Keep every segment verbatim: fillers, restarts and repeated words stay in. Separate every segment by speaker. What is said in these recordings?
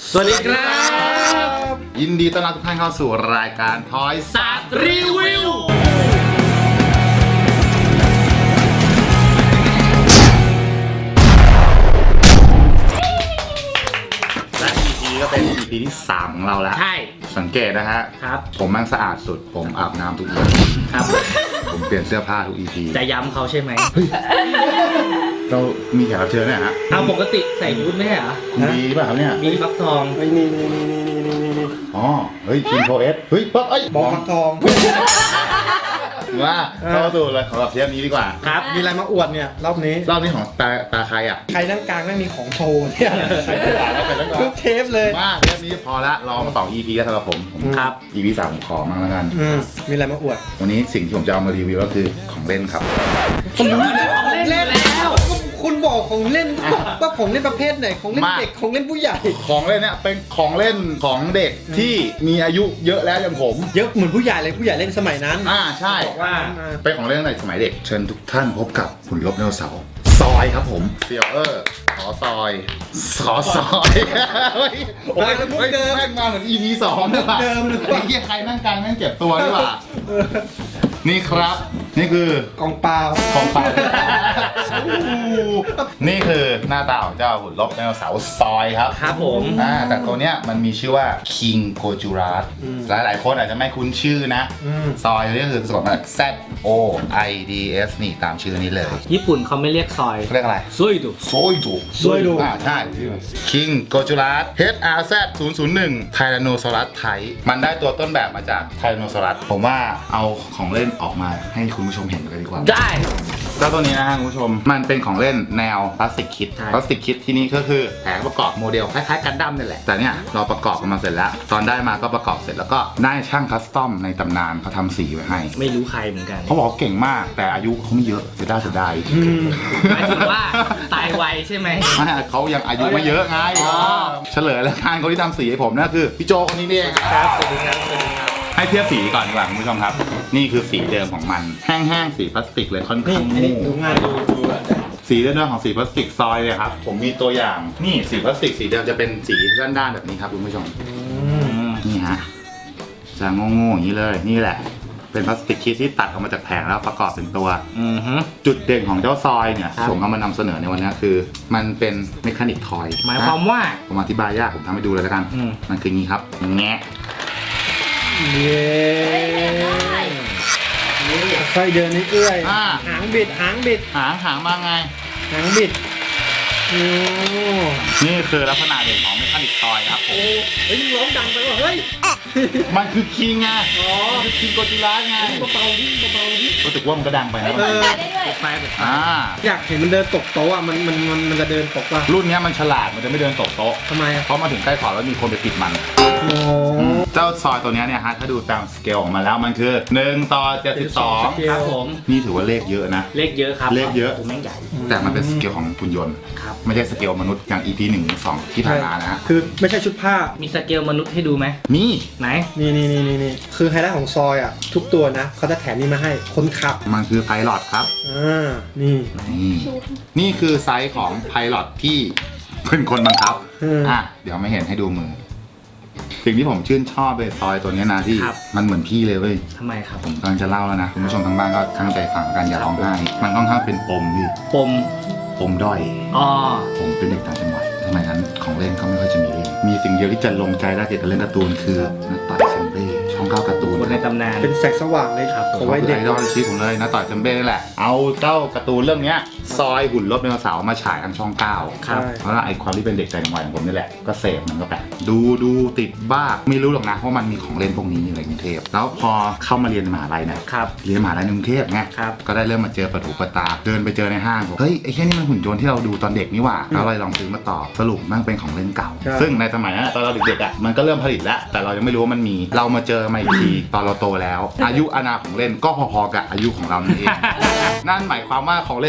Speaker 1: สวัสดีครับ
Speaker 2: ยินดีต้อนรับทุกท่านเข้าสู่รายการทอย
Speaker 1: ศาสตร์รีวิว
Speaker 2: และ อี พี ก็เป็น อี พี ที่สามของเราแล้ว
Speaker 1: ใช่
Speaker 2: สังเกตนะฮะ
Speaker 1: ครับ
Speaker 2: ผมมันสะอาดสุดผมอาบน้ำทุกวัน
Speaker 1: ครับ
Speaker 2: ผมเปลี่ยนเสื้อผ้าทุก อี พี
Speaker 1: จะย้ำเขาใช่ไหม
Speaker 2: เรามีแขกรับเชิญเนี่ยฮะ
Speaker 1: เอาปกติใส่บูทไม่ใช่เหรอ
Speaker 2: คุณบีป่ะครับเนี่ย
Speaker 1: มีฟักทอง
Speaker 3: ไอ้นี่นี่นี่นี่นี่นี่
Speaker 2: อ๋อเฮ้ยคิงโคเอสเฮ้ยปั๊บเอ้ย
Speaker 3: บอกฟักทอง
Speaker 2: ว่าเข้าสู่เลยของเราเทปนี้ดีกว่า
Speaker 1: ครับ
Speaker 3: มีอะไรมาอวดเนี่ยรอบนี้
Speaker 2: รอบนี้ของตาตาใครอ่ะ
Speaker 3: ใครนั่งกลางไม่มีของโชว์เนี่ย
Speaker 2: ใครจะด่าแล้วใครต้องด่า
Speaker 3: ทุกเทปเลย
Speaker 2: มาเทปนี้พอละรอมาสอง อี พี แล้วสำหรับผม
Speaker 1: ครับ
Speaker 2: อี พี สามผมขอมั่งแล้วกัน
Speaker 3: อืมมีอะไรมาอวด
Speaker 2: วันนี้สิ่งที่ผมจะเอามารีวิวก็คือของเล่นครับ
Speaker 3: ผมรู้แล้วของเล่นแล้วคุณบอกของเล่นว่าของเล่นประเภทไหนของเล่นเด็กของเล่นผู้ใหญ่
Speaker 2: ของเล่นเนี่ยเป็นของเล่นของเด็กที่มีอายุเยอะแล้วอย่างผม
Speaker 3: เยอะเหมือนผู้ใหญ่เลยผู้ใหญ่เล่นสมัยนั้น
Speaker 2: อ่าใช่
Speaker 3: บอกว่า
Speaker 2: เป็นของเล่นตั้งแต่สมัยเด็กเชิญทุกท่านพบกับหุ่นลบไดโนเสาร์ซอยครับผมเซียวเออร์ขอซอยขอซอยเฮ้ยโอ้ยเฮ้ยแม่งมาเหมือน อี พี สองเลยว่ะ
Speaker 3: เดิมเลย
Speaker 2: ไอ้เหี้ยใครนั่งกลางแม่งเจ็บตัวดีกว่านี่ครับนี่คือก
Speaker 3: องเปล่า
Speaker 2: ของฝากนี่คือหน้าตาของเจ้าหุ่นลบไดโนเสาร์ซอยครับ
Speaker 1: ครับผม
Speaker 2: อ่าแต่ตัวเนี้ยมันมีชื่อว่า King Gojurat หลายหลายๆคนอาจจะไม่คุ้นชื่อนะซอยนี่ก็คือสะกดมาจาก Z O I D S นี่ตามชื่อนี้เลย
Speaker 1: ญี่ปุ่นเขาไม่เรียกซอย
Speaker 2: เขาเรียกอะไร
Speaker 1: ซุยดุ
Speaker 2: โซยดู
Speaker 3: ซวยดู
Speaker 2: อ่าใช่ King Gojurat H R Z ศูนย์ ศูนย์ หนึ่ง Tyrannosaurus Type มันได้ตัวต้นแบบมาจาก Tyrannosaurus ผมว่าเอาของเล่นออกมาให้คุณผู้ชมเห็นกันดีกว่า
Speaker 1: ได้
Speaker 2: เจ้าตัวนี้นะฮะคุณผู้ชมมันเป็นของเล่นแนวพลาสติกคิด
Speaker 1: ใช่
Speaker 2: พลาสติกคิดที่นี่ก็คือแผงประกอบโมเดลคล้ายๆกันดั้มนี่แหละแต่เนี่ยเราประกอบกันมาเสร็จแล้วตอนได้มาก็ประกอบเสร็จแล้วก็ได้ช่างคัสตอมในตำนานเขาทำสีไว้ให้
Speaker 1: ไม่รู้ใครเหมือนกัน
Speaker 2: เขาบอกว่าเก่งมากแต่อายุเขาไม่เยอะเสียดายเสียดาย
Speaker 1: หมายถึงว่าตายไวใช่ไหม
Speaker 2: ไม่เขายังอายุไม่เยอะไง
Speaker 1: อ๋อ
Speaker 2: เฉลยแล้วการคนที่ทำสีให้ผมนั่นคือพี่โจคนนี้นี่เอง
Speaker 1: ครับสวัสดีครับสวัสดีครับ
Speaker 2: ให้เทียบสีก่อนดีกว่าคุณผู้ชมครับ นี่คือสีเดิมของมันแห้งๆสีพลาสติกเลยค่อน
Speaker 3: นี่
Speaker 2: ข้าง
Speaker 3: อันนี้
Speaker 2: มู่
Speaker 3: ดูง่ายดูดูอ่ะ
Speaker 2: สีเดิมของสีพลาสติกซอยเลยครับผมมีตัวอย่างนี่สีพลาสติกสีเดิมจะเป็นสีด้านๆแบบนี้ครับคุณผู้ชมนี่ฮะจะโง่ๆอย่างนี้เลยนี่แหละเป็นพลาสติกคีที่ตัดออกมาจากแผงแล้วประกอบเป็นตัว
Speaker 1: อือฮึ
Speaker 2: จุดเด่นของเจ้าซอยเนี่ย
Speaker 1: ครับ
Speaker 2: ผมเอามานำเสนอในวันนี้คือ มันเป็นเมคานิกทอย
Speaker 1: หมายความว่า
Speaker 2: ผมอธิบายยากผมทำให้ดูเลยแล้วกัน
Speaker 1: อืม
Speaker 2: มันคืองี้ครับแงะ
Speaker 3: เย้ค่อยเดินนี่เอื้อย
Speaker 2: อ่า
Speaker 3: หางบิดหางบิด
Speaker 2: หางหางมาไง
Speaker 3: หางบิดโอ้
Speaker 2: นี่คือลักษณะเด่นของเมคานิกทอยครับผม
Speaker 3: เฮ้ยร้องดังไปว่ะเฮ้ย
Speaker 2: มันคือคิงไง
Speaker 3: อ๋อ
Speaker 2: มันคือคิงโกจิระไง
Speaker 3: เบาๆดิเบาๆดิ
Speaker 2: รู้สึกว่ามันก็ดังไปนะ
Speaker 3: เออ
Speaker 1: ปิดไฟปิดไฟ
Speaker 2: อ่า
Speaker 3: อยากเห็นมันเดินตกโต๊ะอ่ะมันมันมันมันจะเดินตกป่ะ
Speaker 2: รุ่นเนี้ยมันฉลาดมันจะไม่เดินตกโต๊ะ
Speaker 3: ทำไมอ่ะ
Speaker 2: เพราะมาถึงใกล้ขอบแล้วมีคนไปปิดมัน
Speaker 3: โอ้
Speaker 2: เจ้าซอยตัวเนี้ยเนี่ยฮะถ้าดูตามสเกลของมันแล้วมันคือหนึ่งต่อเจ็ดสิบสอง
Speaker 1: ครับผม
Speaker 2: นี่ถือว่าเลขเยอะนะ
Speaker 1: เลขเยอะครับ
Speaker 2: เลขเยอะ
Speaker 1: ผมแม่งใหญ่
Speaker 2: แต่มันเป็นสเกลของหุ่นยนต์
Speaker 1: ครับ
Speaker 2: ไม่ใช่สเกลมนุษย์อย่าง อี พี หนึ่ง สองที่ผ่านมานะฮะ
Speaker 3: คือไม่ใช่ชุดผ้า
Speaker 1: มีสเกลมนุษย์ให้ดูไหม
Speaker 2: นี่
Speaker 1: ไหน
Speaker 3: นี่นี่นี่นี่นี่คือไฮไลท์ของซอยอ่ะ ทุกตัวนะเขาจะแถมนี่มาให้คนขับ
Speaker 2: มันคือไพลอตครับ
Speaker 3: อ่า นี่
Speaker 2: นี่นี่คือไซส์ของไพลอตที่เป็นคนบังคับ
Speaker 3: อืม
Speaker 2: อ่ะเดี๋ยวไม่เห็นให้ดูมือ สิ่งที่ผมชื่นชอบเลยซอยตัวเนี้ยนะที่
Speaker 1: ครับ
Speaker 2: มันเหมือนพี่เลยเว้ย
Speaker 1: ทำไมครับ
Speaker 2: ผมกำลังจะเล่าแล้วนะคุณผู้ชมทางบ้านก็ตั้งใจฟังกันอย่าร้องไห้มันค่อนข้างเป็นปมพี่
Speaker 1: ปม
Speaker 2: ปมด้อย
Speaker 1: อ๋อ
Speaker 2: ผมเป็นเด็กต่างจังหวัดสมัยนั้นของเล่นก็ไม่ค่อยจะมีเล่นมีสิ่งเดียวที่จะลงใจได้เกี่ยวกับเล่นการ์ตูนคือนักต่อยเซมเบ้ช่องเก้าการ์ตูน
Speaker 1: คนในตำนาน
Speaker 3: เป็นแสงสว่างเลย
Speaker 1: ครับ
Speaker 3: ของไว้เด็ก
Speaker 2: ไอดอลชีพผมเลยนักต่อยเซมเบ้นี่แหละเอาเจ้าการ์ตูนเรื่องเนี้ยซอยหุ่นรถไดโนเสาร์มาฉายทางช่องเก้า
Speaker 1: ครับ
Speaker 2: เพราะว่าไอความที่เป็นเด็กต่างจังหวัดของผมนี่แหละก็เสพมันก็ไปดูดูติดบ้าไม่รู้หรอกนะว่ามันมีของเล่นพวกนี้อยู่ในกรุงเทพแล้วพอเข้ามาเรียนมหาลัยเนี่ย
Speaker 1: ครับ
Speaker 2: เรียนมหาลัยในกรุงเทพไง
Speaker 1: ครับ
Speaker 2: ก็ได้เริ่มมาเจอประถูประตาเดินไปเจอในห้างบอกเฮ้ยไอ้แค่นี้มันหุ่นยนต์ที่เราดูตอนเด็กนี่หว่าแล้วเราลองซื้อมาต่อสรุปมันเป็นของเล่นเก่า
Speaker 3: ใช่
Speaker 2: ซึ่งในสมัยนั้นตอนเราเด็กๆอ่ะมันก็เริ่มผลิตแล้วแต่เรายังไม่รู้ว่ามันมีเรามาเจอมาอีกทีตอนเราโตแล้ว อายุอาณาของเล่นก็พอๆกับอายุของเรานี่เอง นั่นหมายความว่าของเล่นใน อี พี นี้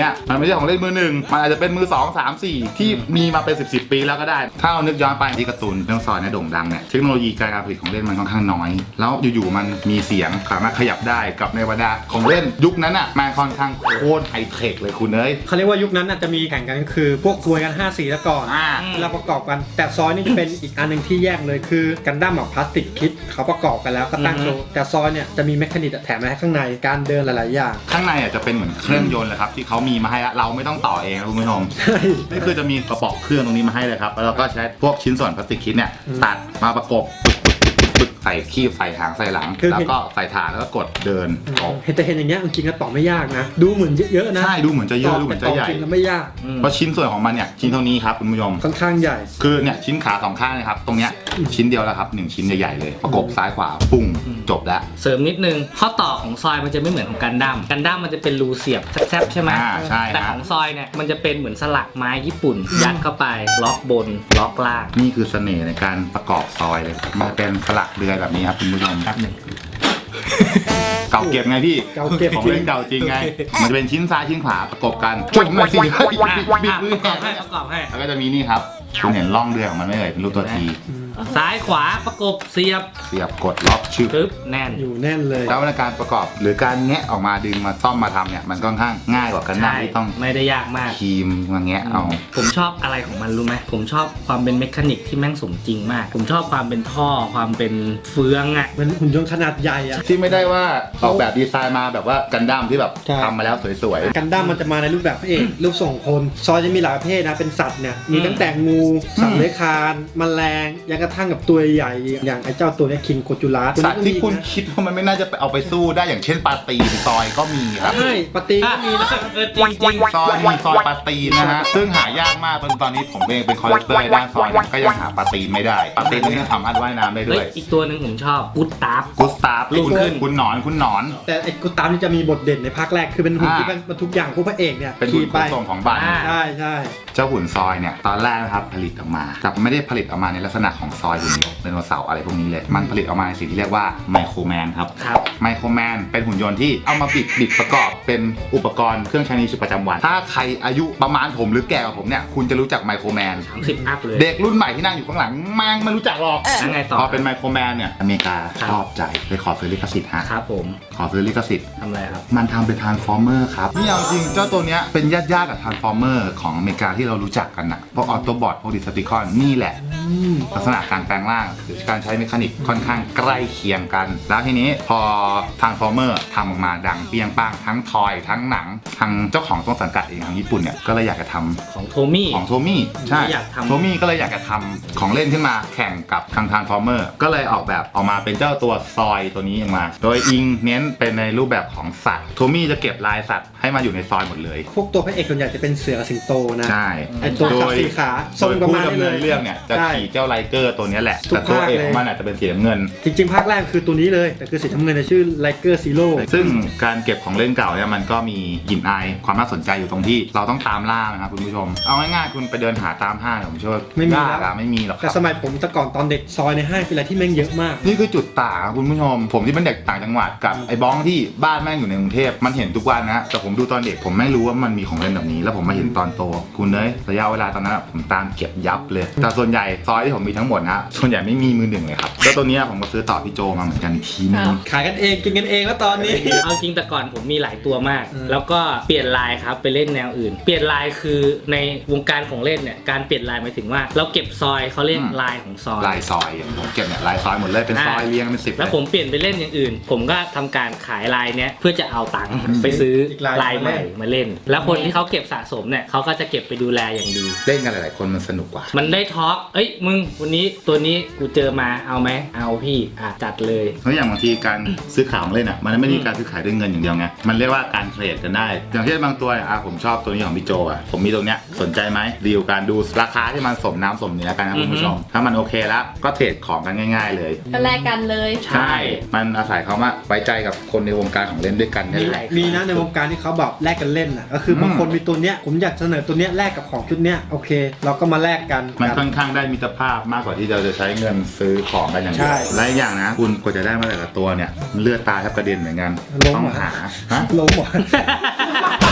Speaker 2: นี้ยมันไม่ใช่ของเล่นมือหนึ่งมันอาจจะเป็นมือสองสามสี่ที่มีมาเป็นสิบสิบปีแล้วก็ได้ถ้าเรานึกย้อนไปที่การ์ตูนเรื่องซอยเนี่ยโด่งดังเนี่ยเทคโนโลยีการผลิตของเล่นมันค่อนข้างน้อยแล้วอยู่ๆมันมีเสียงสามารถขยับได้กับในบรรดาของเล่นยุคนั้นอ่ะมันค่อนข้างโคตรไฮเทคเลยคุณเอ้ย
Speaker 3: เขาเรียกว่ายุคนั้นน่ะจะมีแข่งกันคือพวกกลวยกันห้าสีแล้วก่อน
Speaker 2: อ่า
Speaker 3: เวลาประกอบกันแต่ซอยนี่จะเป็นอีกอันหนึ่งที่แยกเลยคือกันดั้มกับพลาสติกคิดเขาประกอบกันแล้วก็ตั้งโชว์แต่ซอยเนี่ยจะมีแมคคานิกแถมมาให้ข้างในการเดินหลายๆอย่าง
Speaker 2: ข้างในอ่ะจะเป็นเหมือนเครื่องยนต์เลยครับที่เขามีมาให้ละเราไม่ต้องต่อเองนะคุณผู้ชม
Speaker 3: ใช่
Speaker 2: นี่คือจะมีกระป๋องเครื่องตรงนี้มาให้เลยครับแล้วเราก็ใช้พวกชิ้นส่วนพลาสติกคิดเนี่ย
Speaker 3: อืม
Speaker 2: ตัดมาประกบปึกๆๆๆใส่คีบใส่หางใส่หลัง
Speaker 3: คือ
Speaker 2: แล้วก็ใส่ฐานแล้วก็กดเดินออก
Speaker 3: เห็นแต่เห็นอย่างเงี้ยจริงๆก็ต่อไม่ยากนะดูเหมือนเยอะๆนะ
Speaker 2: ใช่ดูเหมือนจะเยอะดูเหมือนจะใหญ่
Speaker 3: แต่ต่จริงแล้วไม่ยาก
Speaker 1: อืม
Speaker 2: เพราะชิ้นส่วนของมันเนี่ยชิ้นเท่านี้ครับคุณผู้ชม
Speaker 3: ค่อนข้างใหญ่
Speaker 2: คือเนี่ยชิ้นขาสองข้างนะครับตรงเนี้ยชิ้นเดียวแล้วครับหนึ่งชิ้นใหญ่ๆเลยประกบซ้ายขวาปุ้งจบแล้ว
Speaker 1: เสริมนิดนึงข้อต่อของซอยมันจะไม่เหมือนของกันดั้มกันดั้มมันจะเป็นรูเสียบแซบๆใช่ไหม
Speaker 2: อ่าใช่
Speaker 1: แต่
Speaker 2: นะ
Speaker 1: ของซอยเนี่ยมันจะเป็นเหมือนสลักไม้ญี่ปุ่น ยัดเข้าไปล็อกบนล็อกล่าง
Speaker 2: นี่คือเสน่ห์ในการประกอบซอยเลยมันจะเป็นสลักเรือยแบบนี้ครับคุณผู้ชม
Speaker 1: แป๊บหนึ่ง
Speaker 2: เก่าเก็บไงพี่
Speaker 3: เก่าเก็บ
Speaker 2: ของ
Speaker 3: จริ
Speaker 2: เล่
Speaker 3: ง
Speaker 2: นเก่าจริงไง มันจะเป็นชิ้นซ้ายชิ้นขวาประกบกันจุดมาสิ
Speaker 1: อ่ะ
Speaker 2: บิด
Speaker 1: อ่ะ
Speaker 2: บิด
Speaker 1: ป
Speaker 2: มือ
Speaker 1: ระกอบให้ประกอบให้
Speaker 2: แล้วก็จะมีนี่ครับคุณเห็นร่องเรือของมันไหมเอ่ยเป็นรูปตัวที
Speaker 1: ซ้ายขวาประกบเสียบ
Speaker 2: เสียบกดล็อกชึบ
Speaker 1: ปึ๊บแน่น
Speaker 3: อยู่แน่นเลย
Speaker 2: แล้วในการประกอบหรือการแงะออกมาดึงมาซ่อมมาทำเนี่ยมันค่อนข้างง่ายกว่ากันนะ
Speaker 1: ใช่
Speaker 2: ที่ต้อง
Speaker 1: ไม่ได้ยากมาก
Speaker 2: ครีมมาแงะเอา
Speaker 1: ผมชอบอะไรของมันรู้ไหมผมชอบความเป็นเมคานิกที่แม่งสมจริงมาก ผมชอบความเป็นท่อความเป็นเฟืองอ่ะ
Speaker 3: เหมือนหุ่นยนต์ขนาดใหญ่อะ
Speaker 2: ที่ไม่ได้ว่าออกแบบดีไซน์มาแบบว่ากันดั้มที่แบบ
Speaker 3: ใช่
Speaker 2: ทำมาแล้วสวย
Speaker 3: กันดั้มมันจะมาในรูปแบบพระเอกรูปทรงคน ซอยจะมีหลายประเภทนะเป็นสัตว์เนี่ยมีตั้งแต่งูสัตว์เลื้อยคลานแมลงยังกระทั่งกับตัวใหญ่อย่างไอ้เจ้าตัวเนี้คิงโกจูลัส
Speaker 2: ๆสัตว์ที่คุณคิดว่ามันไม่น่าจะไปเอาไปสู้ได้อย่างเช่นปลาตีนซอยก็มีครับ
Speaker 3: ใช่ปฏิก็มีนะ
Speaker 1: เออจริงจริง
Speaker 2: ซอยมีซอยปลาตีนนะฮะซึ่งหายากมากจนตอนนี้ผมเองเป็นคอลเลกเตอร์ด้านซอยเนี่ยก็ยังหาปลาตีนไม่ได้ปลาตีนนี่สามารถว่ายน้ำได้
Speaker 1: เฮ้
Speaker 2: ด้วย ย
Speaker 1: อีกตัวหนึ่งผมชอบกุ๊ดตาร์ฟ
Speaker 2: กุสตาฟ
Speaker 1: ลูก
Speaker 2: คุณ
Speaker 1: ขึ้น
Speaker 2: คุณหนอนคุณหนอน
Speaker 3: แต่ไอ้กูตามนี่จะมีบทเด่นในภาคแรกคือเป็นหุ่น
Speaker 2: อ่า
Speaker 3: ที่มันบรรทุกอย่างพวกพระเอกเนี่ย
Speaker 2: เป็นหุ่
Speaker 3: ขี่
Speaker 2: นข
Speaker 3: ไป
Speaker 2: นส่งของบ้าน
Speaker 1: อ่า
Speaker 3: ใช่ใช่
Speaker 2: เจ้าหุ่นซอยเนี่ยตอนแรกนะครับผลิตออกมาแต่ไม่ได้ผลิตออกมาในลักษณะของซอยหุ่นยนต์ไดโนเสาร์อะไรพวกนี้เลยมันผลิตออกมาในสิ่งที่เรียกว่าไมโครแมนครับ
Speaker 1: ครับ
Speaker 2: ไมโครแมนเป็นหุ่นยนต์ที่เอามาบิดบิดประกอบเป็นอุปกรณ์เครื่องใช้ในชีวิตประจำวัน ถ้าใครอายุประมาณผมหรือแก่กว่าผมเนี่ยคุณจะรู้จักไมโครแมน
Speaker 1: สามสิบอัพเลย
Speaker 2: เด็กรุ่นใหม่ที่นั่งอยู่ข้างหลังแม่งไม่รู้จักหรอก
Speaker 1: แล้วไงต่อ
Speaker 2: พอเป็นไมโครแมนเนี่ยอเมริกา
Speaker 1: ครับ
Speaker 2: ชอบใจเลยขอซื้อลิขสิทธิ์ฮะ
Speaker 1: ครับผม
Speaker 2: ขอซื้อลิขสิทธิ์
Speaker 1: ทำอะไรครับ
Speaker 2: มันทำเป็นทรานส์ฟอร์เมอร์ครับนี่เอาจริงเจ้าตัวเนี้ยเป็นญาติญาติๆกับทรานส์ฟอร์เมอร์ของอเมริกาที่เรารู้จักกันนะพวกออโตบอทพวกดิสติคอนนี่แหละ
Speaker 3: อืม
Speaker 2: ลักษณะการแปลงร่างหรือการใช้เมคานิกค่อนข้างใกล้เคียงกัน แล้วทีนี้พอทางฟอร์เมอร์ทำออกมาดังเปรียงป้างทั้งทอยทั้งหนังทางเจ้าของต้นสังกัดเองทางญี่ปุ่นเนี่ยก็เลยอยากจะทำ
Speaker 1: ของโทมี่
Speaker 2: ของโทมี่ใช่
Speaker 1: อยากทำ
Speaker 2: โทมี่ก็เลยอยากจะทำของเล่นขึ้นมาแข่งกับทางทางฟอร์เมอร์ก็เลยออกแบบออกมาเป็นเจ้าตัวซอยตัวนี้ออกมา โดยอิงเน้นเป็นในรูปแบบของสัตว์โทมี่จะเก็บลายสัตว์ให้มาอยู่ในซอยหมดเลย
Speaker 3: พวกตัวพระเอกส่วนใหญ่จะเป็นเสือกับสิงโตนะ
Speaker 2: ใช่
Speaker 3: ไอ้ตัว
Speaker 2: โด
Speaker 3: สัต
Speaker 2: ย
Speaker 3: ว์สีขาท
Speaker 2: โด
Speaker 3: รง
Speaker 2: ย
Speaker 3: ประ
Speaker 2: ผู้
Speaker 3: มาณนี้
Speaker 2: ดำ
Speaker 3: เล
Speaker 2: เนิน
Speaker 3: ย
Speaker 2: เรื่องเนี่ยจะ
Speaker 3: ใช่
Speaker 2: ขี่เจ้าไลเกอร์ตัวนี้แหละ
Speaker 3: ทุก
Speaker 2: แต่ตัว
Speaker 3: ภาค
Speaker 2: เอก
Speaker 3: เลย
Speaker 2: ของมันอาจจะเป็นสีน้ำเงิน
Speaker 3: จริงๆ ภาคแรกคือตัวนี้เลย แต่คือสีน้ำเงินจะชื่อไลเกอร์ซีโร่
Speaker 2: ซึ่งการเก็บของเล่นเก่าเนี่ยมันก็มีกลิ่นอายความน่าสนใจอยู่ตรงที่เราต้องตามล่านะครับคุณผู้ชมเอาง่ายๆคุณไปเดินหาตามห้างเนี่ยผมเชื่อว่า
Speaker 3: ไม่มี
Speaker 2: ยาก
Speaker 3: แล้ว
Speaker 2: อะไม่มีหรอกค
Speaker 3: แต่
Speaker 2: รับ
Speaker 3: สมัยผมแต่ก่อนตอนเด็กซอยในห้างเป็นอะไรที่แม่งเยอะมาก
Speaker 2: นี่คือจุดต่างครับคุณผู้ชม ผมที่เป็นเด็กต่างจังหวัดกับไอ้บ้องที่บ้านแม่งอยู่ในกรุงเทพมันเห็นทุกวันนะแต่ผมดูตอนเด็กผมไม่รู้ว่ามันมีของเล่นแบบนี้ แล้วผมมาเห็นตอนโตคุณเนยระยะเวลาตอนนั้นอะผมตามเก็บยับเลย แต่ส่วนใหญ่ซอยที่ผมมีทั้งหมดนะส่วนใหญ่ไม่มีมือหนึ่งเลยครับแล้วตัวเนี้ยผมก็ซื้อต่อพี่โจมาเหมือนกันอีกทีนึง
Speaker 3: ขายกันเองกินกันเองแล้วตอนนี้
Speaker 1: เอาจริงแต่ก่อนผมมีหลายตัวมาก
Speaker 3: อืม
Speaker 1: แล้วก็เปลี่ยนลายครับไปเล่นแนวอื่น เปลี่ยนลายคือในวงการของเล่นเนี่ยการเปลี่ยนลายหมายถึงว่า เราเก็บซอยเขาเรียก
Speaker 2: อืม
Speaker 1: ลายของซอย
Speaker 2: ลายซอยอย่างผมเก็บเนี่ยลายซอยหมดเลยเป็นซอยเรียงเป็นสิบ
Speaker 1: แล้วผมเปลี่ยนไปเล่นอย่างอื่น ผมก็ทำการขายลายเนี้ยเพื่อจะเอาตังค์ไปซื้อ
Speaker 3: อีกลาย
Speaker 1: ลายใหม่มาเล่น แล้วคนที่เขาเก็บสะสมเนี่ยเขาก็จะเก็บไปดูแลอย่างดี
Speaker 2: เล่นกันหลายๆคนมันสนุกกว่า
Speaker 1: มันได้ทอล์กเอ้ยมึงวันนี้ตัวนี้กูเจอมาเอาไหมเอาพี่อ่ะจัดเลย
Speaker 2: เพราะอย่างบางทีการซื้อขายของเล่นอ่ะมันไม่ได้การซื้อขายด้วยเงินอย่างเดียวไงมันเรียกว่าการเทรดกันได้ อย่างเช่นบางตัวเนี่ยอ่ะผมชอบตัวนี้ของพี่โจอ่ะผมมีตรงเนี้ยสนใจไหมดีลการดูราคาที่มันสมน้ำสมเนื้อกันนะคุณผู้ชมถ้ามันโอเคแล้วก็เทรดของกันง่าย ๆ เลย
Speaker 4: ก็แลกกันเลย
Speaker 1: ใช่
Speaker 2: มันอาศัยเขามาไว้ใจกับคนในวงการของเล่นด้วยกันนี่แหละ
Speaker 3: มีนะในวงการที่เขาแบบแลกกันเล่นน่ะก็คือ
Speaker 2: ม
Speaker 3: บางคนมีตัวเนี้ยผมอยากเสนอตัวเนี้ยแลกกับของชุดเนี้ยโอเค เราก็มาแลกกัน
Speaker 2: มันค่อนข้างได้มิตรภาพมากกว่าที่เราจะใช้เงินซื้อของกันอย่างเดี
Speaker 3: ใช่
Speaker 2: ยวและอีกอย่างนะ คุณกว่าจะได้มาแต่ละตัวเนี่ยเลือดตาแทบกระเด็นเหมือนกัน
Speaker 3: ล้ม
Speaker 2: ต้อง
Speaker 3: เหรอ
Speaker 2: หาฮะ
Speaker 3: ล้มเหรอ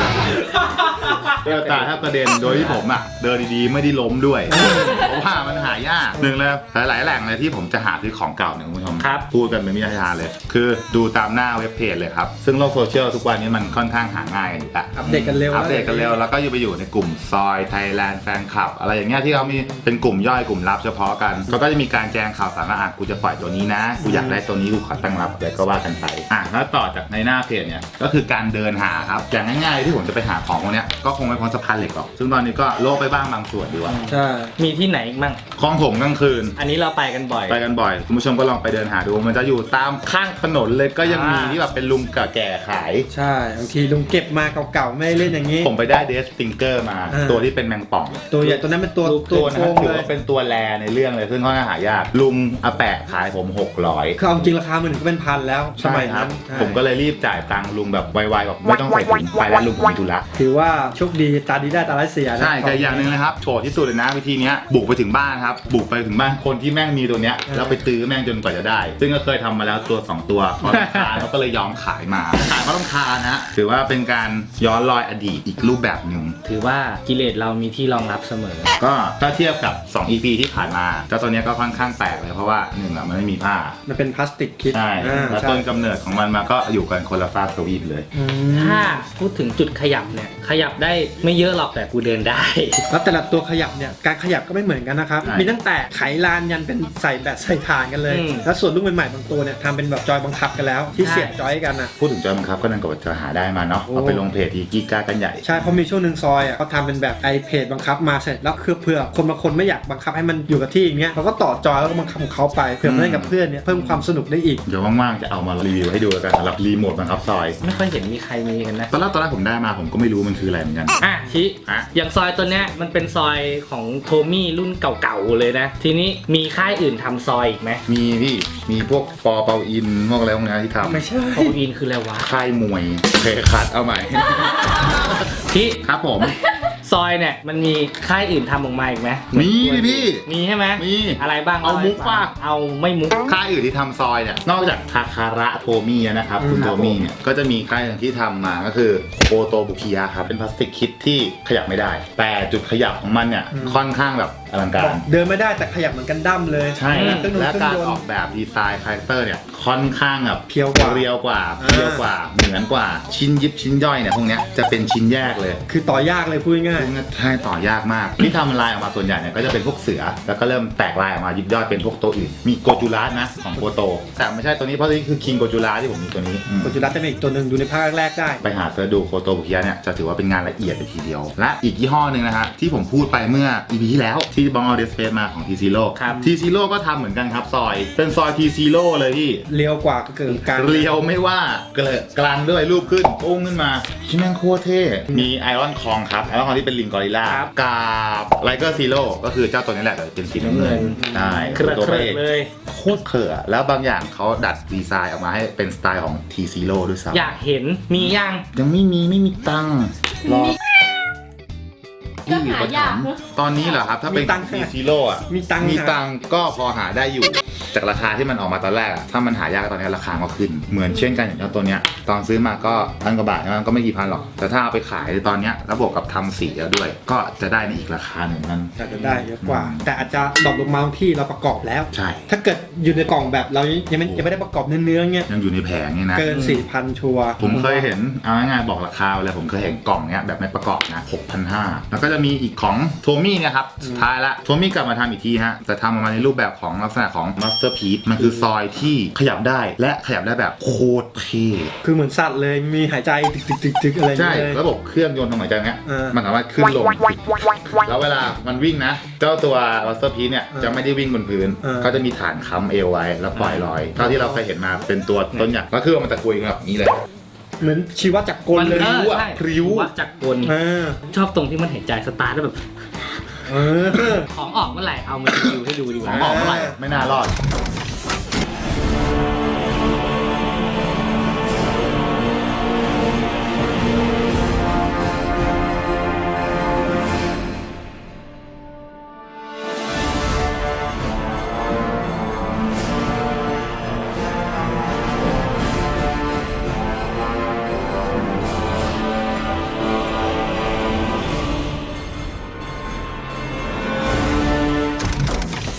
Speaker 2: โตโยต้าถ้ากระเด็นโดยที่ผมอ่ะเดินดีๆไม่ได้ล้มด้วยเพราะว่ามันหายากหนึ่งเลยหลายๆแหล่งเลยที่ผมจะหาซื้อของเก่าเนี่ยคุณผู้ชม
Speaker 1: ครับ
Speaker 2: พูดกันเป็นวิทยาเลย คือดูตามหน้าเว็บเพจเลยครับซึ่งโลกโซเชียลทุกวันนี้มันค่อนข้างหาง่ายกันอยู่ละ
Speaker 3: อัปเดตกันเร็ว
Speaker 2: อัปเดตกันเร็วแล้วก็อยู่ไปอยู่ในกลุ่มซอยไทยแลนด์แฟนคลับอะไรอย่างเงี้ยที่เขามีเป็นกลุ่มย่อยกลุ่มลับเฉพาะกันเขาก็จะมีการแจ้งข่าวสารว่าอ่ะกูจะปล่อยตัวนี้นะกูอยากได้ตัวนี้กูขอตั้งรับอะไรก็ว่ากันไปอ่ะแล้วต่อจากในหน้าเพจเนี่ยก็คือการเดินหาครับอย่างง่ายๆที่ผมจะไปหาของพวกเนี้ยก็คงไม่พ้นสะพานเหล็กหรอกซึ่งตอนนี้ก็โลกไปบ้างบางส่วนดีกว่า
Speaker 3: ใช่
Speaker 1: มีที่ไหนอีกมั่ง
Speaker 2: คลองถมกลางคืน
Speaker 1: อันนี้เราไปกันบ่อย
Speaker 2: ไปกันบ่อยคุณผู้ชมก็ลองไปเดินหาดูมันจะอยู่ตามข้างถนนเลยก็ยังมี
Speaker 1: อ่า
Speaker 2: ที่แบบเป็นลุงแก่ๆขาย
Speaker 3: ใช่บางทีลุงเก็บมาเก่าๆไม่ได้เล่นอย่างนี้
Speaker 2: ผมไปได้เดสติงเกอร์มา
Speaker 3: อ่า
Speaker 2: ตัวที่เป็นแมงป่อง
Speaker 3: ตัวใหญ่ตัวนั้นเป็นตัว
Speaker 1: รูป
Speaker 3: ตัว
Speaker 2: ตัว
Speaker 3: โก
Speaker 2: นั้น
Speaker 3: ง
Speaker 2: ถือ
Speaker 3: เลย
Speaker 2: ว่าเป็นตัวแรในเรื่องเลยซึ่งค่อนข้างหายากลุงอาแปะขายผมหกร้อย
Speaker 3: คือเอาจริงราคามันก็เป็นพันแล้วสมัยนั้นใช่
Speaker 2: ผมก็เลยรีบจ่ายตังค์ลุงแบบไวๆแบบไม่ต้องใส่ถุงไปแล้วลุงผมมีธุระ
Speaker 3: ถือว่าโชคดีตาดีได้ตาร้ายเสียนะ
Speaker 2: ใช่แต่อย่างหนึ่งนะครับโฉดที่สุดเลยนะวิธีเนี้ยบุกไปถึงบ้านครับบุกไปถึงบ้านคนที่แม่งมีตัวเนี้ยแล้วไปตื้อแม่งจนกว่าจะได้ ซึ่งก็เคยทำมาแล้วตัวสองตัวพอราคาเขาก็เลยยอมขายมาขายเพราะต้องคานะฮะถือว่าเป็นการย้อนรอยอดีตอีกรูปแบบหนึ่ง
Speaker 1: ถือว่ากิเลสเรามีที่รองรับเสมอ
Speaker 2: ก็ถ้าเทียบกับสอง อี พี ที่ผ่านมาเจ้าตัวเนี้ยก็ค่อนข้างแปลกเลยเพราะว่าหนึ่งอ่ะมันไม่มีผ้า
Speaker 3: มันเป็นพลาสติกคิด
Speaker 2: ใช่
Speaker 3: อ่า
Speaker 2: แล้ว
Speaker 3: ใช่
Speaker 2: ต้นกำเนิดของมันมาก็อยู่กันคนละฟากทวีปเลย
Speaker 3: อืม
Speaker 1: ถ้าพูดถึงจุดขยับเนี่ยขยับได้ไม่เยอะหรอกแต่กูเดินได้
Speaker 3: แล้วแต่ละตัวขยับเนี่ยการขยับก็ไม่เหมือนกันนะครับ
Speaker 2: ใช่
Speaker 3: มีตั้งแต่ไขลานยันเป็นใส่แบตใส่ฐานกันเลย
Speaker 1: อืม
Speaker 3: แล้วส่วนรุ่นใหม่ๆบางตัวเนี่ยทำเป็นแบบจอยบังคับกันแล้ว ที่
Speaker 1: ใช่
Speaker 3: เสียบจอยกันอ่ะ
Speaker 2: พูดถึงจอยบังคับก็นั่นก็จะหาได้มาเนาะ
Speaker 3: โอ้
Speaker 2: เอาไปลงเพจทีกีกากันใหญ่
Speaker 3: ใช่เพราะมีช่วงหนึ่งซอยอ่ะเขาทำเป็นแบบไอเพจบังคับมาเสร็จแล้วคือเพื่อคนบางคนไม่อยากบังคับให้มันอยู่กับที่อย่างเงี้ยเขาก็ต่อจอยแล้วก็บังคับของเขาไปเพื่อมาเล่นกับเพื่อนเนี่ยเพิ่มความสนุกได้อีก
Speaker 2: เดี๋ยวว่างๆจะเอามารีวิวให้ดูแล้วกันสำหรับรีโมทบังคับซอย
Speaker 1: ไม่ค่อยเห็นมีใครมีกันนะ
Speaker 2: ตอนแรกตอนแรกผมได้มาผมก็ไม่รู้มันคืออะไรเหมือนกัน
Speaker 1: อ่ะชิ
Speaker 2: ฮะ
Speaker 1: อย่างซอยตัวเนี้ยมันเป็นซอยของโทมี่รุ่นเก่าๆเลยนะ ทีนี้มีค่ายอื่นทำซอยอีกไหม
Speaker 2: มีพี่มีพวกปอเปาอินพวกอะไรพวกนี้ที่ท
Speaker 3: ไม่ใช่
Speaker 1: โคอินคืออะไรวะ
Speaker 2: ำค่ายมวยเคยขัดเอาใหม่
Speaker 1: ชิ
Speaker 2: ครับผม
Speaker 1: ซอยเนี่ยมันมีค่ายอื่นทำออกมาอีกไหม
Speaker 2: มีดิพี่
Speaker 1: มีใช่ไหม
Speaker 2: มี
Speaker 1: อะไรบ้าง
Speaker 2: เอามุกป่ะ
Speaker 1: เอาไม่มุก
Speaker 2: ค่ายอื่นที่ทำซอยเนี่ยนอกจากทาคาระโทมี่นะครับ
Speaker 3: อืม
Speaker 2: คุณโทมี่เนี่ยก็จะมีค่ายหนึ่งที่ทำมาก็คือโอโตบุคิยะครับเป็นพลาสติกคิดที่ขยับไม่ได้ แต่จุดขยับของมันเนี่ยค่อนข้างแบบอลังการ
Speaker 3: เดินไม่ได้แต่ขยับเหมือนกันดั้มเลย
Speaker 2: ใช่
Speaker 3: เครื่องดนตรี
Speaker 2: และ
Speaker 3: เครื่
Speaker 2: การ
Speaker 3: องยน
Speaker 2: ออก
Speaker 3: ต์
Speaker 2: แบบดีไซน์คาแรคเตอร์เนี่ยค่อนข้างแบบ
Speaker 3: เพียวกว่า
Speaker 2: เรียวกว่า
Speaker 3: อ่า
Speaker 2: เพียวกว่าเหมือนกว่าชิ้นยิบชิ้นย่อยเนี่ยพวกเนี้ยจะเป็นชิ้นแยกเลย
Speaker 3: คือต่อยากเลยพูดง่าย
Speaker 2: ซึ่งใช่ต่อยากมากที่ทำลายออกมาส่วนใหญ่เนี่ยก็จะเป็นพวกเสือแล้วก็เริ่มแตกลายออกมายิบย่อยเป็นพวกตัวอื่นมีโกจูรัสนะของโกโตแต่ไม่ใช่ตัวนี้เพราะนี่คือคิงโกจูรัสที่ผมมีตัวนี้อืม
Speaker 3: ๆโกจูรัสจะเป็นอีกตัวหนึ่งดูในภาคแรกๆได้
Speaker 2: ไปหาเสิร์ชดูโคโตบุคิยะเนี่ยจะถือว่าเป็นงานละเอียดเลยทีเดียว และอีกยี่ห้อหนึ่งนะฮะที่ผมพูดไปเมื่อ อี พี ที่แล้วที่บองเอาเดสเฟสมาของ ที ซี โร่
Speaker 1: ครับ
Speaker 2: ที ซี โร่ ก็ทำเหมือนกันครับซอย เป็นซอย ที ซี โร่ เลยพี่
Speaker 3: เลี้ยวกว่าก็เกิดการ
Speaker 2: เรียวไม่ว่าเกลอะกลางด้วยรูปขึ้นโป้งขึ้นมาชิแม่งโคตรเท่มีไอรอนคองครับไอรอนคองที่เป็นลิงกอริลลา
Speaker 1: ครับ
Speaker 2: กับไลเกอร์ซีโร่ก็คือเจ้าตัวนี้แหละแต่เป็นสีน้ำเงินใช่
Speaker 1: เครือ
Speaker 2: ตัว
Speaker 1: เค
Speaker 2: พ
Speaker 1: รื
Speaker 2: ระเอก
Speaker 1: เลย
Speaker 2: โคตรเขื่อแล้วบางอย่างเขาดัดดีไซน์ออกมาให้เป็นสไตล์ของ ที ซี โร่ ด้วยซ้ำ
Speaker 1: อยากเห็นมียัง
Speaker 2: ยังไม่มีไม่มีตังค์รอที่อยู่ประถมตอนนี้เหรอครับ ถ้าเป็น
Speaker 3: มีตังค์
Speaker 2: ทีซีโร่อะ
Speaker 3: มีตังค์
Speaker 2: มีตังค์ก็พอหาได้อยู่ จากราคาที่มันออกมาตอนแรกอะถ้ามันหายากตอนนี้ราคาก็ขึ้น เหมือนเช่นกันอย่างเจ้าตัวเนี้ยตอนซื้อมาก็พันกว่าบาทมันก็ไม่กี่พันหรอก แต่ถ้าเอาไปขายตอนเนี้ยแล้วบวกกับทำสีแล้วด้วย ก็จะได้ในอีกราคาหนึ่งนั่น
Speaker 3: อาจจะได้เยอะกว่า แต่อาจจะดรอปลงมาบางที่เราประกอบแล้ว
Speaker 2: ใช่
Speaker 3: ถ้าเกิดอยู่ในกล่องแบบเรายังไม่ยังไม่ได้ประกอบเนื้อๆเงี้ย
Speaker 2: ยังอยู่ในแผงนี่นะ
Speaker 3: เกินสี่พันชัวร์
Speaker 2: ผมเคยเห็นเอาง่ายๆบอกราคาเลยผมเคยเห็นกล่องเนี้ยแบบไม่ประกอบนะ หกพันห้าร้อย แล้วก็จะมีอีกของโทมี่เนี่ยครับสุดท้ายละโทมี่กลับมาทำอีกทีฮะแต่ทำออกมาในรูปแบบของลักษณะของ Masterpiece มันคือซอยที่ขยับได้และขยับได้แบบโคตรเท่
Speaker 3: คือเหมือนสัตว์เลยมีหายใจตึกๆๆๆอะไรอย่าง
Speaker 2: ใช่
Speaker 3: เงี้ยเลย
Speaker 2: ระบบเครื่องยนต์ทางหายใจเนี้ย
Speaker 3: เออ
Speaker 2: มันสามารถขึ้นลงแล้วเวลามันวิ่งนะ เจ้าตัว Masterpiece เนี่ย
Speaker 3: เออ
Speaker 2: จะไม่ได้วิ่งบนพื้น
Speaker 3: เออ
Speaker 2: เขาจะมีฐานค้ำเอวไว้แล้วปล่อยลอยเท่าที่เราเคยเห็นมาเป็นตัวต้นใหญ่ก็คือมันตะกุยแบบนี้เลย
Speaker 3: เหมือนชีวจักรกลเลย
Speaker 1: มัน
Speaker 2: พริ้วอะ
Speaker 1: ใช่
Speaker 2: พริ้ว
Speaker 1: วัดจากกล
Speaker 3: เออ
Speaker 1: ชอบตรงที่มันหายใจสตาร์ทแล้วแบบ
Speaker 3: เออ
Speaker 1: ของออกเมื่อไหร่เอามารีวิวให้ดูดีก
Speaker 2: ข
Speaker 1: ว่า
Speaker 2: องออกเมื่อไหร่ไม่น่ารอด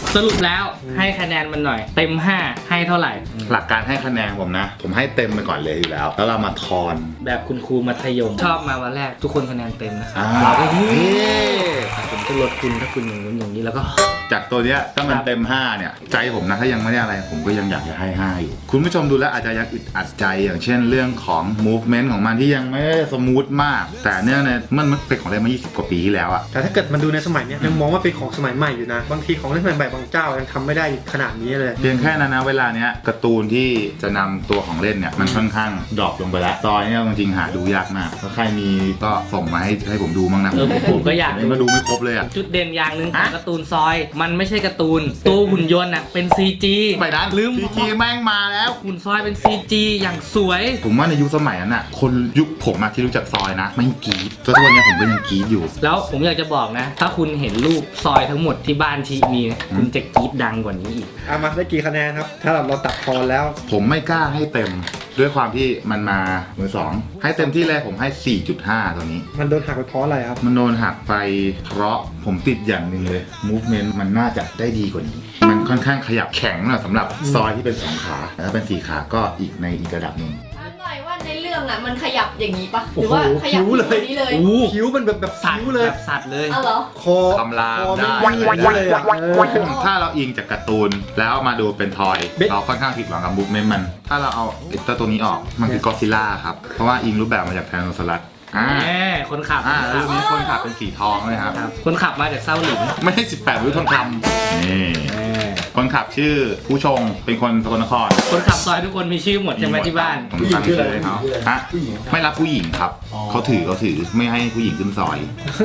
Speaker 1: สรุปแล้วให้คะแนนมันหน่อย เต็มห้าให้เท่าไหร่
Speaker 2: หลักการให้คะแนนผมนะ ผมให้เต็มไปก่อนเลยอยู่แล้ว แล้วเรามาทอน
Speaker 1: แบบคุณครูมัธยมชอบมาวันแรกทุกคนคะแนนเต็มนะครับ
Speaker 2: อ่า
Speaker 1: เราก็เฮ้
Speaker 2: เฮ้
Speaker 1: ยผมจะลดคุณถ้าคุณอย่างนู้นอย่างนี้แล้วก็
Speaker 2: จากตัวเนี้ยถ้ามันเต็มห้าเนี่ยใจผมนะถ้ายังไม่ได้อะไรผมก็ยังอยากจะให้ห้าอยู่คุณผู้ชมดูแล้วอาจจะยังอึดอัดใจอย่างเช่นเรื่องของ movement ของมันที่ยังไม่ได้สมูทมาก แต่เนื่องในมันมันเป็นของเล่นมายี่สิบกว่าปีที่แล้วอะ
Speaker 3: แต่ถ้าเกิดมันดูในสมัยเนี้ยยังมองว่าเป็นของสมัยใหม่อยู่นะ บางทีของเล่นสมัยใหม่บางเจ้ายังทำไม่ได้ขนาดนี้เลย
Speaker 2: เพียงแค่นั้นนะเวลาเนี้ยการ์ตูนที่จะนำตัวของเล่นเนี่ยมันค่อนข้างดรอปลงไปแล้วซอยเนี่ยจริงๆหาดูยากมากถ้าใครมีก็ส่งมาให้ให้ผมดูบ้างนะ
Speaker 1: เออผมก็อยาก
Speaker 2: ผมมาดูไม่ครบเลยอะ
Speaker 1: จุดเด่นอย่างหนึ่งของ
Speaker 2: ฮะ
Speaker 1: การ์ตูนซอย มันไม่ใช่การ์ตูนตัวหุ่นยนต์อ่ะเป็น ซี จี
Speaker 2: ไปนั้น
Speaker 1: ลืม
Speaker 2: พีจีแม่งมาแล้ว
Speaker 1: หุ่นซอยเป็น ซี จี อย่างสวย
Speaker 2: ผมว่าในยุคสมัยนั้นน่ะคนยุคผมอะที่รู้จักซอยนะไม่กรี๊ดจนทุกวันเนี้ยผมก็ยังกรี๊ดอยู่
Speaker 1: แล้วผมอยากจะบอกนะ ถ้าคุณเห็นรูปซอยทั้งหมดที่บ้านชีมีนะคุณจะกรี๊ดดังกว่านี้อีก
Speaker 3: เอามาได้กี่คะแนนครับ ถ้าเราตัดพอแล้ว
Speaker 2: ผมไม่กล้าให้เต็มด้วยความที่มันมามือสองให้เต็มที่เลยผมให้ สี่จุดห้า ตัวนี้
Speaker 3: มันโดนหักไปเพราะอะไรครับ
Speaker 2: มันโดนหักไปเพราะผมติดอย่างหนึ่งเลย movement มันน่าจะได้ดีกว่านี้ มันค่อนข้างขยับแข็งนะสำหรับซอยที่เป็นสองขาแต่ถ้าเป็นสี่ขาก็อีกในอีกระดับหนึ่ง
Speaker 4: ถามหน่อยว่าในเรื่องอ่ะมันขยับอย่างนี้ปะห
Speaker 3: โอ้
Speaker 4: รือ
Speaker 3: โห
Speaker 4: ว่าขยับ
Speaker 3: คิ้วเลย
Speaker 4: แบบนี้เลย
Speaker 1: อู้
Speaker 3: คิ้วมันแบบแบบ
Speaker 1: สัต
Speaker 3: คิ้
Speaker 1: ว์
Speaker 3: วเลย
Speaker 1: แบบสัตว์เลย
Speaker 4: อ้าวเหรอ
Speaker 3: คอ
Speaker 2: คำราม
Speaker 3: คอ
Speaker 2: ได้
Speaker 3: ไม่ยืดเลยอะเออ
Speaker 2: ถ้าเราอิงจากการ์ตูนแล้วมาดูเป็นทอย
Speaker 3: เบ๊ะ
Speaker 2: เราค่อนข้างผิดหวังกับ movement มัน ถ้าเราเอาไอ้ตัวตัวนี้ออกมันคือกอซิล่าครับ เพราะว่าอิงรูปแบบมาจากไทโนซอรัสอ่า
Speaker 1: แหมคนขับ
Speaker 2: อ่า
Speaker 1: คน
Speaker 2: แล้ว
Speaker 1: ขับ
Speaker 2: มีคนขับเป็นสีทองเลยครับ
Speaker 1: ครับคนขับมาจากเศร้าหลิน
Speaker 2: ไม่ได้สิบแปดวิวทองคำนี่
Speaker 1: แหม
Speaker 2: คนขับชื่อผู้ชงเป็นคนสกลนคร
Speaker 1: คนขับซอยทุกคนมีชื่อหมดใช่ไหมที่บ้าน
Speaker 2: ผมตั้งชื่อให้เขาฮะไม่รับผู้หญิงครับ เขาถือเขาถือไม่ให้ผู้หญิงขึ้นซอย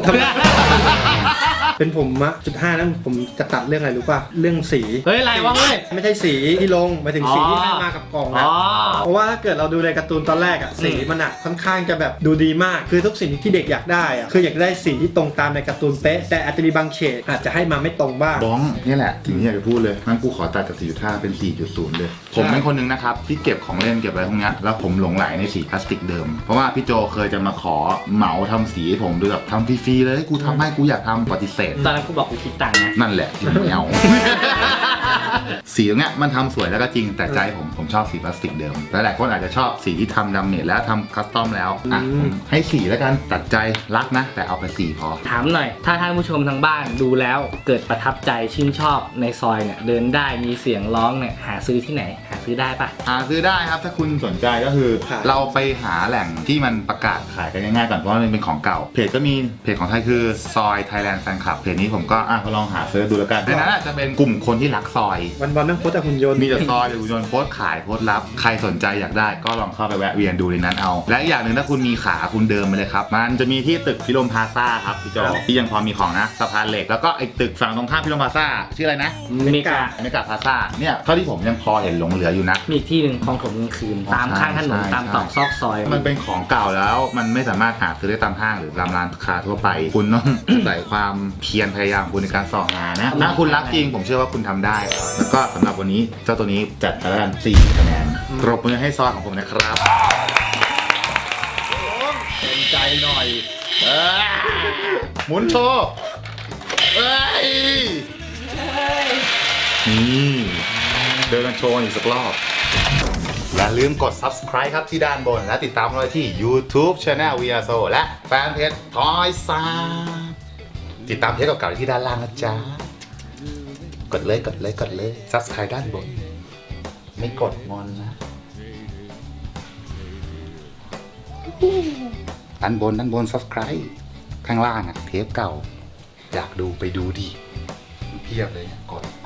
Speaker 3: เป็นผมอะจุดห้านั้นผมจะตัดเรื่องอะไรรู้ป่ะ เรื่องสี
Speaker 1: เฮ้ยอะไรวะเฮ้ย
Speaker 3: ไม่ใช่สีที่ลงหมายถึงสี
Speaker 1: อ๋อ
Speaker 3: ที่ให้มากับกล่อง
Speaker 1: อ๋
Speaker 3: นะ
Speaker 1: อ
Speaker 3: เพราะว่าถ้าเกิดเราดูในการ์ตูนตอนแรกอะสีมันอะค่อนข้างจะแบบดูดีมาก คือทุกสิ่งที่เด็กอยากได้อะคืออยากได้สีที่ตรงตามในการ์ตูนเป๊ะ แต่อาจจะมีบางเฉดอาจจะให้มาไม่ตรงบ้าง
Speaker 2: บ้องนี่แหละสิ่งที่อยากจะพูดเลยงั้นกูขอตัดจาก สี่จุดห้า เป็น สี่จุดศูนย์ เลย ผมเป็นคนหนึ่งนะครับที่เก็บของเล่นเก็บอะไรพวกเนี้ยแล้วผมหลงไหลในสีพลาสติกเดิม เพราะว่าพี่โจเคยจะมาขอเหมาทำสีให้ผมด้วยแบบทำฟรีๆเลยกูทำให้กูอยากทำปฏิเสธ
Speaker 1: ตอนนั้นกูบอกกูคิดตังค์นะ
Speaker 2: นั่นแหละที่ไม่เอา สีตรงเนี้ยมันทำสวยแล้วก็จริงแต่ใจผมผมชอบสีพลาสติกเดิมหลายๆคนอาจจะชอบสีที่ทำดาเมจแล้วทำคัสตอมแล้วอ่ะ
Speaker 3: อืม
Speaker 2: ผมให้สีแล้วกันตัดใจรักนะ แต่เอาไปสีพอ
Speaker 1: ถามหน่อย ถ้าท่านผู้ชมทางบ้านดูแล้วเกิดประทับใจชื่นชอบในซอยเนี่ยเดินได้มีเสียงร้องเนี่ยหาซื้อที่ไหน หาซื้อได้ปะ
Speaker 2: หาซื้อได้ครับถ้าคุณสนใจก็คือ
Speaker 3: ครับ
Speaker 2: เราไปหาแหล่งที่มันประกาศขายกันง่ายๆก่อนเพราะว่ามันเป็นของเก่า เพจก็มีเพจของไทยคือซอย Thailand Fan Club เพจนี้ผมก็อ่ะลองหาเซิร์ชดูแล้วกันในนั้นอาจจะเป็นกลุ่มคนที่รักซอย
Speaker 3: วันวันๆนั่งโพสแต่หุ่นยนต์
Speaker 2: มีแต่ซอยหรือหุ่นยนต์โพสต์ขายโพสต์รับใครสนใจอยากได้ก็ลองเข้าไปแวะเวียนดูในนั้นเอา และอีกอย่างหนึ่งถ้าคุณมีขาคุณเดินไปเลยครับ มันจะมีที่ตึกพิรมพลาซ่าครับพี่โจที่ยังพอมีของนะสะพานเหล็กแล้วก็ไอ้ตึกฝั่งตรงข้ามพิรมพลาซ่าชื่ออะไรนะ
Speaker 1: เมกา
Speaker 2: เมกาพลาซ่าเนี่ยเท่าที่ผมยังพอเห็นหลงเหลืออยู่นะ
Speaker 1: มีอีกที่หนึ่งคลองถมกลางคืน ตามข้างถนน
Speaker 2: ใช่
Speaker 1: ตามตอกซอกซอย
Speaker 2: มันเป็นของเก่าแล้วมันไม่สามารถหาซื้อได้ตามห้างหรือตามร้านค้าทั่วไป คุณต้อง ใส่ความเพียรพยายามของคุณในการส่องหานะถ้าคุณรักจริงผมเชื่อว่าคุณทำได้ แล้วก็สำหรับวันนี้เจ้าตัวนี้จัดไปแล้วกันสี่คะแนนปรบมือให้ซอยของผมนะครับเป็นใจหน่อยเอ้ยหมุนโชว์เอ้ยนี่เดินกันโชว์อีกสักรอบ อย่าลืมกด subscribe ครับที่ด้านบน และติดตามเราที่ YouTube Channel วี อาร์ โซ และแฟนเพจ Toy s a ติดตามเทปเก่าๆที่ด้านล่างนะจ๊ะ กดเลยกดเลยกดเลย subscribe ด้านบน ไม่กดงอนนะ ด้านบนด้านบน subscribe ข้างล่างอะเทปเก่า อยากดูไปดูดิเพียบเลยกด